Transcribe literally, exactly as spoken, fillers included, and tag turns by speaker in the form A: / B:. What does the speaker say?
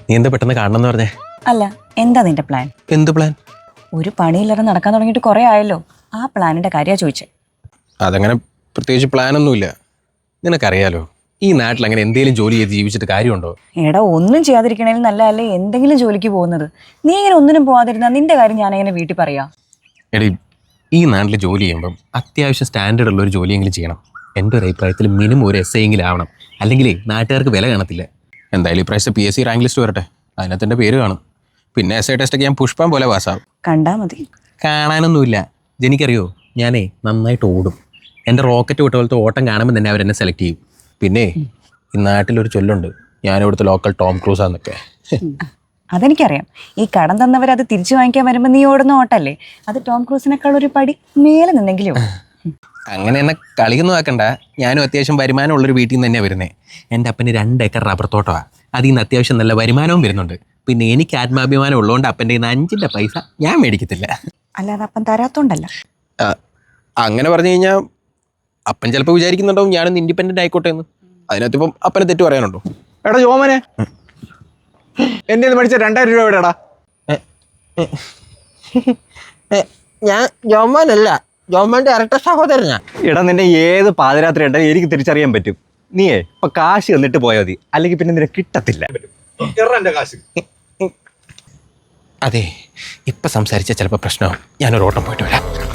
A: നീ എന്താ പെട്ടെന്ന് കാണണമെന്ന് പറഞ്ഞേ?
B: അല്ല, എന്താ നിന്റെ പ്ലാൻ?
A: എന്ത് പ്ലാൻ?
B: ഒരു പണിയില്ലാതെ നടക്കാൻ തുടങ്ങിയിട്ട് കുറെ ആയല്ലോ. ആ പ്ലാനിന്റെ കാര്യമാണ് ചോദിച്ചേ.
A: അതങ്ങനെ പ്രത്യേകിച്ച് പ്ലാനൊന്നുമില്ല. നിനക്കറിയാലോ, ഈ നാട്ടിൽ അങ്ങനെ എന്തെങ്കിലും ജോലി ചെയ്ത് ജീവിച്ചിട്ട് കാര്യമുണ്ടോ?
B: എടാ, ഒന്നും ചെയ്യാതിരിക്കണേലും നല്ലതല്ലേ എന്തെങ്കിലും ജോലിക്ക് പോകുന്നത്. നീ ഇങ്ങനെ ഒന്നിനും പോവാതിരുന്നാ നിന്റെ കാര്യം ഞാൻ എങ്ങനെ വീട്ടിൽ പറയാ?
A: എടി, ഈ നാട്ടിൽ ജോലി ചെയ്യുമ്പം അത്യാവശ്യം സ്റ്റാൻഡേർഡ് ഉള്ള ഒരു ജോലിയെങ്കിലും ചെയ്യണം. എൻ്റെ ഒരു അഭിപ്രായത്തിൽ മിനിമം ഒരു എസ് എങ്കിലും ആവണം. അല്ലെങ്കിൽ നാട്ടുകാർക്ക് വില കാണത്തില്ല. എന്തായാലും ഇപ്രാവശ്യത്തെ P S C rank list വരട്ടെ, അതിനകത്ത് എൻ്റെ പേര് കാണും. പിന്നെ എസ് ഐ ടെസ്റ്റൊക്കെ ഞാൻ പുഷ്പം പോലെ പാസ്സാവും.
B: കണ്ടാ മതി.
A: കാണാനൊന്നുമില്ല. ജനിക്കറിയോ, ഞാനേ നന്നായിട്ട് ഓടും. എൻ്റെ റോക്കറ്റ് വിട്ട പോലത്തെ ഓട്ടം കാണുമ്പോൾ തന്നെ അവരെന്നെ സെലക്ട് ചെയ്യും. പിന്നെ ഈ നാട്ടിലൊരു ചൊല്ലുണ്ട്, ഞാനിവിടുത്തെ ലോക്കൽ ടോം ക്രൂസാന്നൊക്കെ.
B: അതെനിക്കറിയാം. ഈ കടം തന്നവരത് തിരിച്ചു വാങ്ങിക്കാൻ വരുമ്പോൾ നീ ഓടുന്ന ഓട്ടല്ലേ, അത് ടോം ക്രൂസിനേക്കാൾ ഒരു പടി മേലെ നിന്നെങ്കിലും.
A: അങ്ങനെ എന്നെ കളിയൊന്നും ആക്കണ്ട. ഞാനും അത്യാവശ്യം വരുമാനമുള്ളൊരു വീട്ടിൽ നിന്ന് തന്നെയാണ് വരുന്നത്. എൻ്റെ അപ്പന് രണ്ട് ഏക്കർ റബ്ബർ തോട്ടമാണ്. അതിൽ നിന്ന് അത്യാവശ്യം നല്ല വരുമാനവും വരുന്നുണ്ട്. പിന്നെ എനിക്ക് ആത്മാഭിമാനം ഉള്ളതുകൊണ്ട് അപ്പൻ്റെ കയ്യിൽ നിന്ന് അഞ്ചിൻ്റെ പൈസ ഞാൻ മേടിക്കത്തില്ല.
B: അല്ലാതെ അപ്പം തരാത്തോണ്ടല്ല.
A: അങ്ങനെ പറഞ്ഞു കഴിഞ്ഞാൽ അപ്പൻ ചിലപ്പോൾ വിചാരിക്കുന്നുണ്ടാവും ഞാനൊന്ന് ഇൻഡിപെൻഡൻ്റ് ആയിക്കോട്ടെ എന്ന്. അതിനകത്ത് ഇപ്പം അപ്പനെ തെറ്റ് പറയാനുണ്ടോ?
C: എടാ ജോമനെ, എൻ്റെ മേടിച്ച രണ്ടായിരം രൂപ എവിടെടാ?
D: ഞാൻ ജോമോനല്ല, ജോമോന്റെ ഇരട്ട സഹോദരനാ.
C: എടാ, നിന്നെ ഏത് പാതിരാത്രി ഉണ്ടെങ്കിൽ എനിക്ക് തിരിച്ചറിയാൻ പറ്റും. നീയേ ഇപ്പൊ കാശ് തന്നിട്ട് പോയാൽ മതി, അല്ലെങ്കിൽ പിന്നെ നിന്നെ കിട്ടത്തില്ല.
A: അതെ, ഇപ്പം സംസാരിച്ചാൽ ചിലപ്പോൾ പ്രശ്നമാവും. ഞാനൊരു ഓട്ടം പോയിട്ട് വരാം.